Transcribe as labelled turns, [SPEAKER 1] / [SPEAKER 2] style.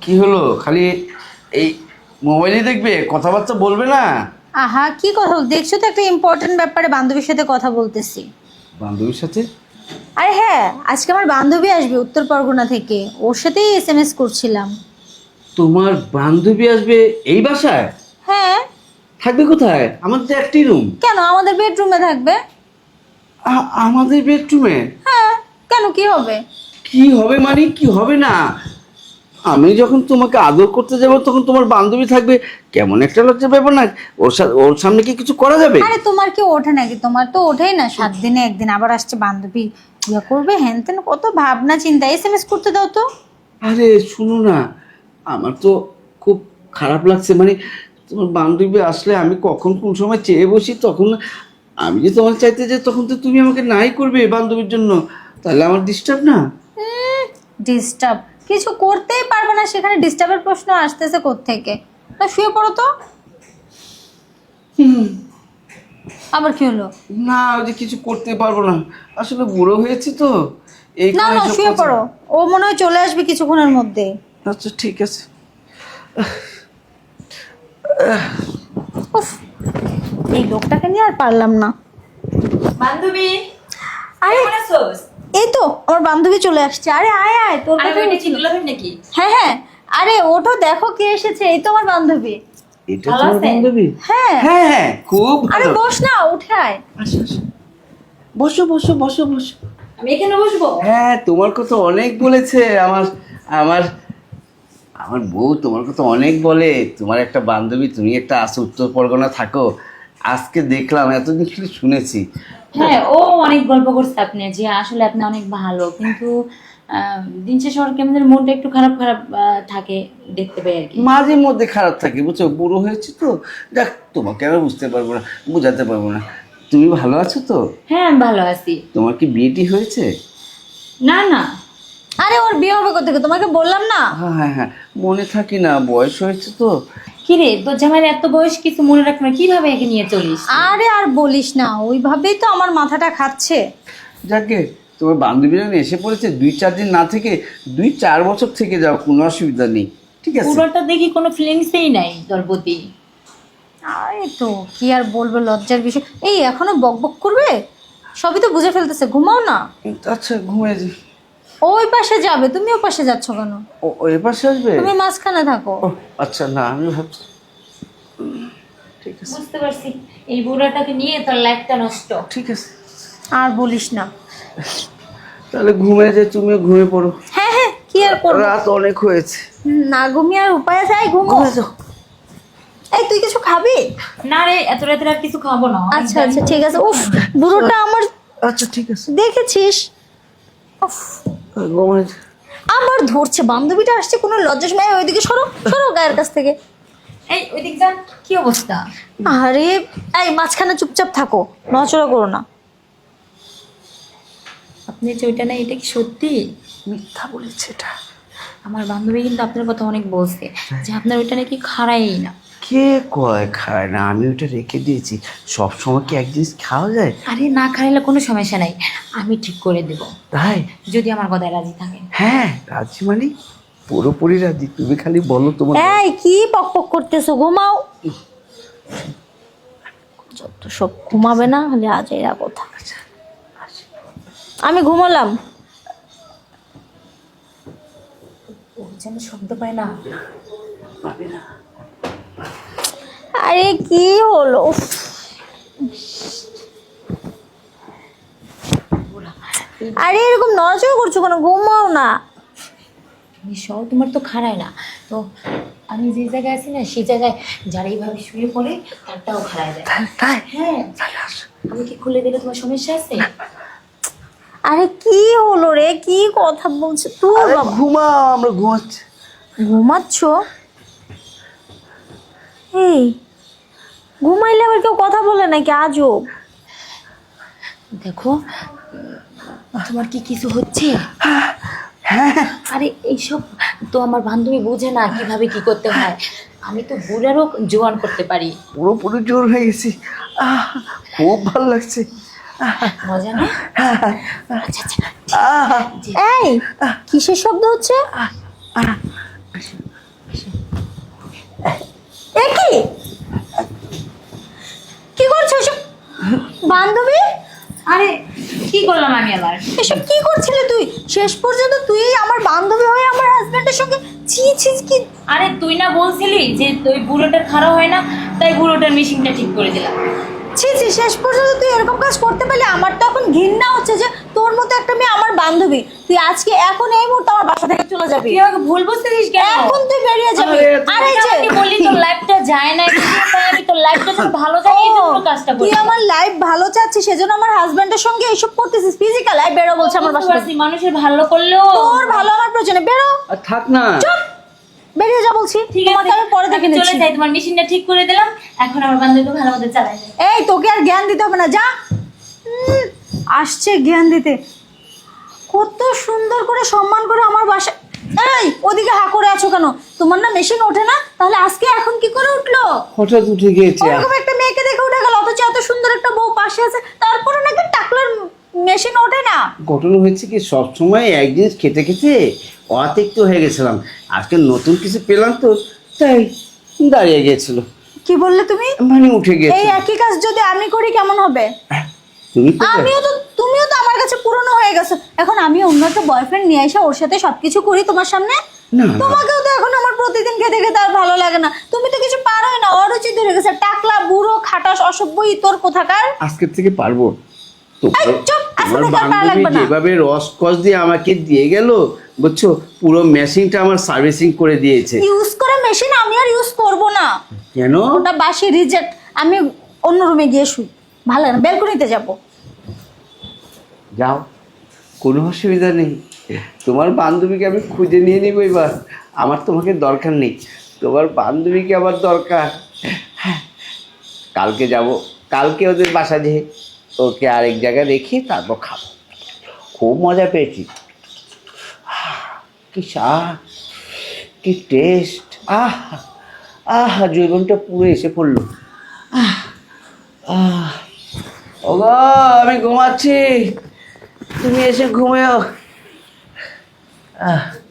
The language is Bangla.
[SPEAKER 1] কি হলো? খালি এই মোবাইলই দেখবে, কথাবার্তা বলবে না?
[SPEAKER 2] আহা, কি কথা দেখছো তো, একটা ইম্পর্টেন্ট ব্যাপারে বান্ধবীর সাথে কথা বলতেছি।
[SPEAKER 1] বান্ধবীর সাথে?
[SPEAKER 2] আরে হ্যাঁ, আজকে আমার বান্ধবী আসবে উত্তর পরগনা থেকে, ওর সাথেই এসএমএস করছিলাম।
[SPEAKER 1] তোমার বান্ধবী আসবে এই বাসায়?
[SPEAKER 2] হ্যাঁ।
[SPEAKER 1] থাকবে কোথায়? আমাদের তো একটি রুম।
[SPEAKER 2] কেন, আমাদের বেডরুমে থাকবে।
[SPEAKER 1] আমাদের বেডরুমে?
[SPEAKER 2] হ্যাঁ, কেন, কি হবে?
[SPEAKER 1] কি হবে মানে কি হবে না? আমি যখন তোমাকে আদর করতে যাব তখন তোমার বান্ধবী থাকবে, কেমন একটা লজ্জার ব্যাপার না? ওর সামনে কি কিছু করা যাবে?
[SPEAKER 2] আরে তোমার কি ওঠে নাকি? তোমার তো ওঠেই না, 7 দিনে একদিন আবার আসছে বান্ধবী, ইয়া করবে হ্যান তেন, কত ভাবনা চিন্তা। এসএমএস করতে দাও তো।
[SPEAKER 1] আরে শুনো না, আমার তো খুব খারাপ লাগছে, মানে তোমার বান্ধবী আসলে আমি কখন কোন সময় চেয়ে বসি, তখন আমি যে তোমার চাইতে যে তখন তো তুমি আমাকে নাই করবে বান্ধবীর জন্য, তাহলে আমার ডিস্টার্ব না?
[SPEAKER 2] ডিস্টার্ব কিছু করতেই পারবে না, সেখানে ডিস্টার্বের প্রশ্ন আসতেছে কোত্থেকে? তা শুয়ে পড়ো তো। আবার কি হলো?
[SPEAKER 1] না, ওই যে কিছু করতে পারবো না, আসলে বুড়ো হয়েছে তো এই
[SPEAKER 2] না
[SPEAKER 1] কারণে
[SPEAKER 2] না,
[SPEAKER 1] সব
[SPEAKER 2] শুয়ে
[SPEAKER 1] কথা।
[SPEAKER 2] পড়ো, ও মনে হয় চলে আসবে কিছুক্ষণের মধ্যে।
[SPEAKER 1] আচ্ছা ঠিক আছে।
[SPEAKER 2] উফ, এই লোকটাকে নিয়ে আর পারলাম না।
[SPEAKER 3] বান্ধবী,
[SPEAKER 2] আরে
[SPEAKER 3] কেমন আছোস?
[SPEAKER 2] এই তো আমার বান্ধবী চলে আসছে। আরে আয় আয়, তোর
[SPEAKER 3] আরে
[SPEAKER 2] কথা
[SPEAKER 3] ওইটা কি
[SPEAKER 2] বলছিল।
[SPEAKER 3] দুলাভাই নাকি?
[SPEAKER 2] হ্যাঁ হ্যাঁ, আরে ওঠো, দেখো কে এসেছে, এই তো আমার বান্ধবী।
[SPEAKER 1] এটা
[SPEAKER 3] ভালো
[SPEAKER 1] তোমার
[SPEAKER 3] আছেন?
[SPEAKER 1] বান্ধবী?
[SPEAKER 2] হ্যাঁ।
[SPEAKER 1] হ্যাঁ হ্যাঁ, খুব
[SPEAKER 2] আরে
[SPEAKER 1] ভালো।
[SPEAKER 2] বস না, উঠে আয়।
[SPEAKER 1] আসো আসো, বসো বসো বসো বসো।
[SPEAKER 3] আমি এখানে বসবো?
[SPEAKER 1] হ্যাঁ, তোমার কথা অনেক বলেছে আমার আমার আমার বউ, তোমার কথা অনেক বলে। তোমার একটা বান্ধবী, তুমি একটা আসো, উত্তর পরগনা থাকো। আজকে দেখলাম, এতদিন শুধু শুনেছি।
[SPEAKER 3] হ্যাঁ, ও অনেক গল্প করছে আপনি যে আসলে আপনি অনেক ভালো, কিন্তু দিন শেষে ওর কেমন যেন মনটা একটু খারাপ খারাপ থাকে, দেখতে পাই আর কি।
[SPEAKER 1] মাঝে মধ্যে খারাপ থাকে, বুঝছো, বুড়ো হয়েছে তো। দেখ, তোমাকে আমি বুঝতে পারবো না, বোঝাতে পারবো না। তুমি ভালো আছো তো?
[SPEAKER 3] হ্যাঁ, আমি ভালো আছি।
[SPEAKER 1] তোমার কি বিয়েটি হয়েছে?
[SPEAKER 3] না না,
[SPEAKER 2] আরে ওর বিয়ে হবে কোথেকে, তোমাকে বললাম না।
[SPEAKER 1] হ্যাঁ হ্যাঁ হ্যাঁ, মনে থাকি না, বয়স হয়েছে তো।
[SPEAKER 3] কি রে, তোর জামাইয়ের এত বয়স কিছু মনে রাখ না, কিভাবে একে নিয়ে চলিস?
[SPEAKER 2] আরে আর বলিস না, ওইভাবেই তো আমার মাথাটা খাচ্ছে।
[SPEAKER 1] যাকে, তোমার বান্ধবীরা এসে পড়েছে, 2-4 দিন না থেকে 2-4 বছর থেকে যাও, কোনো অসুবিধা নেই, ঠিক আছে?
[SPEAKER 3] পুরোটা দেখি কোনো ফিলিংসই নাই তোর প্রতি।
[SPEAKER 2] আরে তো কি আর বলবো, লজ্জার বিষয়। এই এখনো বক বক করবে? সবই তো বুঝে ফেলতেছে, ঘুমাও না।
[SPEAKER 1] আচ্ছা, ঘুমিয়ে যাই।
[SPEAKER 2] ওই পাশে যাবে, তুমি ও পাশে যাচ্ছ কেন?
[SPEAKER 1] ও এপাশে আসবে?
[SPEAKER 2] তুমি মাঝখানে থাকো।
[SPEAKER 1] ও আচ্ছা, না আমি ভাবছি। ঠিক আছে
[SPEAKER 3] বুঝতে পারছি, এই বুড়াটাকে নিয়ে তোর লাইফটা নষ্ট।
[SPEAKER 1] ঠিক আছে,
[SPEAKER 2] আর বলিস না।
[SPEAKER 1] তাহলে ঘুমিয়ে যাই, তুমিও ঘুমিয়ে পড়ো।
[SPEAKER 2] হ্যাঁ হ্যাঁ, কি আর করবো।
[SPEAKER 1] রাত অনেক হয়েছে।
[SPEAKER 2] না ঘুমিয়ে আর উপায় আছে, এই ঘুমো।
[SPEAKER 1] ঘুমিয়ে যাও।
[SPEAKER 2] এই তুই কিছু খাবি?
[SPEAKER 3] না রে, এত রাতে আর কিছু খাবো না।
[SPEAKER 2] আচ্ছা আচ্ছা ঠিক আছে। উফ, বুড়োটা আমার,
[SPEAKER 1] আচ্ছা ঠিক আছে,
[SPEAKER 2] দেখেছিস? উফ,
[SPEAKER 1] ঘুমিয়ে যাও।
[SPEAKER 2] আবার ধরছে, বান্ধবীটা আসছে, কোনো লজ্জা সময়। ওইদিকে সরো সরো গায়ের কাছ থেকে।
[SPEAKER 3] এই ওইদিক যান, কি অবস্থা?
[SPEAKER 2] আরে এই মাঝখানে চুপচাপ থাকো, নড়াচড়া করো না।
[SPEAKER 3] আপনি যে ওইটা না, এটা কি সত্যি?
[SPEAKER 1] মিথ্যা বলেছে এটা।
[SPEAKER 3] আমার বান্ধবী কিন্তু আপনার কথা অনেক বলছে যে আপনার ওইটা নাকি খারাই না।
[SPEAKER 1] কে কয় খায় না? আমি ওটা রেখে দিয়েছি। সব সময় কি এক জিনিস খাওয়া যায়?
[SPEAKER 3] আরে না খাইলে কোনো সমস্যা নাই, আমি ঠিক করে দেব
[SPEAKER 1] তাই?
[SPEAKER 3] যদি আমার কথায় রাজি থাকে।
[SPEAKER 1] হ্যাঁ, রাজি মানে পুরোপুরি রাজি, তুমি খালি বলো তোমার।
[SPEAKER 2] এই কি পক পক করতেছো, ঘুমাও। যত সব, ঘুমাবে না হলে আজ এরা কথা। আমি ঘুমালাম।
[SPEAKER 3] ও যেন শব্দ পায় না।
[SPEAKER 2] আরে কি হলো? উফ, আরে এরকম নড়াচড়া করছো কেন? ঘুমাও না।
[SPEAKER 3] সব তোমার তো খারায় না তো, আমি যে জায়গায় আছি না সেই জায়গায় যারা এইভাবে শুয়ে পড়ে তারটাও খারায় যায়।
[SPEAKER 1] তাই?
[SPEAKER 3] হ্যাঁ, আমি কি খুলে দিলে তোমার সমস্যা আছে?
[SPEAKER 2] আরে কি হলো রে, কি কথা বলছো তুই?
[SPEAKER 1] আরে
[SPEAKER 2] বাবা
[SPEAKER 1] ঘুমাও, আমরা ঘুমাচ্ছি।
[SPEAKER 2] ঘুমাচ্ছ? এই ঘুমাইলে আবার কেউ কথা বলে নাকি? আজব।
[SPEAKER 3] দেখো, তোমার কি কিছু হচ্ছে? আরে এইসব তো আমার বান্ধবী বোঝে না কিভাবে কি করতে হয়। আমি তো বুড়ারও জোয়ান করতে পারি।
[SPEAKER 1] পুরোপুরি জোর হয়ে গেছি। খুব ভালো লাগছে।
[SPEAKER 3] মজা না? আচ্ছা আচ্ছা,
[SPEAKER 1] আহ,
[SPEAKER 3] জি।
[SPEAKER 2] এই কিসের শব্দ হচ্ছে? এ কি কি করছো এসব? বান্ধবী,
[SPEAKER 3] আরে কি করলাম আমি আবার?
[SPEAKER 2] এসব কি করছিলে তুই? শেষ পর্যন্ত তুই আমার বান্ধবী হয়ে আমার হাজবেন্ডের সঙ্গে ছি ছি কি!
[SPEAKER 3] আরে তুই না বলছিলি যে ওই বুড়োটা খারাপ হয় না, তাই বুড়োটার মেশিনটা ঠিক করে দিলাম।
[SPEAKER 2] ছি ছি, শেষ পর্যন্ত তুই এরকম কাজ করতে পারলে আমার তো এখন ঘৃণা হচ্ছে যে তোর মতো একটা মেয়ে আমার বান্ধবী। তুই আজকে এখন এই মুহূর্তে আমার বাসা থেকে চলে যাবি।
[SPEAKER 3] তুই আমাকে ভুল বুঝতেছিস কেন?
[SPEAKER 2] এখন তুই বেরিয়ে যাবি। আরে
[SPEAKER 3] তুই
[SPEAKER 2] যে
[SPEAKER 3] আমাকে বললি তোর লাইফটা যায় না, তাই আমি তোর লাইফটা যেন ভালো যায় এই জন্য কাজটা
[SPEAKER 2] তুই
[SPEAKER 3] করছি।
[SPEAKER 2] আমার লাইফ ভালো চাচ্ছিস সেজন্য আমার হাজবেন্ডের সঙ্গে এইসব করতেছিস। ফিজিক্যাল লাইফ বেরো বলছে আমার বাসা থেকে।
[SPEAKER 3] মানুষের ভালো করলেও
[SPEAKER 2] তোর ভালো আমার প্রয়োজনে বেরো।
[SPEAKER 1] আর থাক না।
[SPEAKER 2] চুপ, বেরিয়ে যা বলছি।
[SPEAKER 3] ঠিক আছে,
[SPEAKER 2] তোমাকে আমি পরে দেখে
[SPEAKER 3] আমি চলে
[SPEAKER 2] নিচ্ছি।
[SPEAKER 3] যাই, তোমার মেশিনটা ঠিক করে দিলাম, এখন আমার বান্ধবীকে ভালো মতো চালাই যায়।
[SPEAKER 2] এই তোকে আর জ্ঞান দিতে হবে না, যা। আসছে জ্ঞান দিতে। কত সুন্দর করে সম্মান করে আমার বাসা। এই ওদিকে হা করে আছো কেন? তোমার না মেশিন ওঠে না? তাহলে আজকে এখন কি করে উঠলো?
[SPEAKER 1] হঠাৎ উঠে গিয়েছে।
[SPEAKER 2] ওরকম একটা মেয়েকে দেখে উঠে গেল, অথচ এত সুন্দর একটা বউ পাশে আছে, তারপরে নাকি টাকলার মেশিন ওঠে না।
[SPEAKER 1] ঘটনা হয়েছে কি, সবসময় এক জিনিস খেতে খেতে অতিরিক্ত হয়ে গেছিলাম। আজকে নতুন কিছু পেলাম তো, তাই দাঁড়িয়ে গিয়েছিল।
[SPEAKER 2] কি বললে তুমি?
[SPEAKER 1] মানে উঠে গিয়েছে।
[SPEAKER 2] এই একই কাজ যদি আমি করি কেমন হবে?
[SPEAKER 1] তুমি তো
[SPEAKER 2] তুমিও তো আমার কাছে পুরনো হয়ে গেছো। এখন আমি অন্য একটা বয়ফ্রেন্ড নিয়ে এসে ওর সাথে সবকিছু করি তোমার সামনে।
[SPEAKER 1] না,
[SPEAKER 2] তোমাকেও তো এখন আমার প্রতিদিন খেতে খেতে আর ভালো লাগে না। তুমি তো কিছু পারোই না, অরুচি ধরে গেছে। টাকলা বুড়ো খাটাস অসভ্য ইতর কোথাকার।
[SPEAKER 1] আজকের থেকে পারবো।
[SPEAKER 2] এই চুপ, আজকে
[SPEAKER 1] তোমার
[SPEAKER 2] থেকে আর পারা
[SPEAKER 1] বান্ধবী
[SPEAKER 2] লাগবে না।
[SPEAKER 1] যেভাবে রসকস দিয়ে আমাকে দিয়ে গেল, বুঝছো, পুরো মেশিনটা আমার সার্ভিসিং করে দিয়েছে।
[SPEAKER 2] ইউজ করে মেশিন আমি আর ইউজ করব না।
[SPEAKER 1] কেন?
[SPEAKER 2] ওটা বাসি রিজেক্ট। আমি অন্য রুমে গিয়ে শুই। ভালো লাগে না, বেলকনিতে যাব।
[SPEAKER 1] যাও, কোনো অসুবিধা নেই। তোমার বান্ধবীকে আমি খুঁজে নিয়ে নিব এবার। আমার তোমাকে দরকার নেই, তোমার বান্ধবীকে আমার দরকার। কালকে যাব, কালকে ওদের বাসা যেয়ে ওকে আরেক জায়গায় রেখে তারপর খাবো। খুব মজা পেয়েছি। কি স্বাদ, কি টেস্ট! জীবনটা পুরো এসে পড়লো। ওগো, আমি ঘুমাচ্ছি, তুমি এসে ঘুমিও।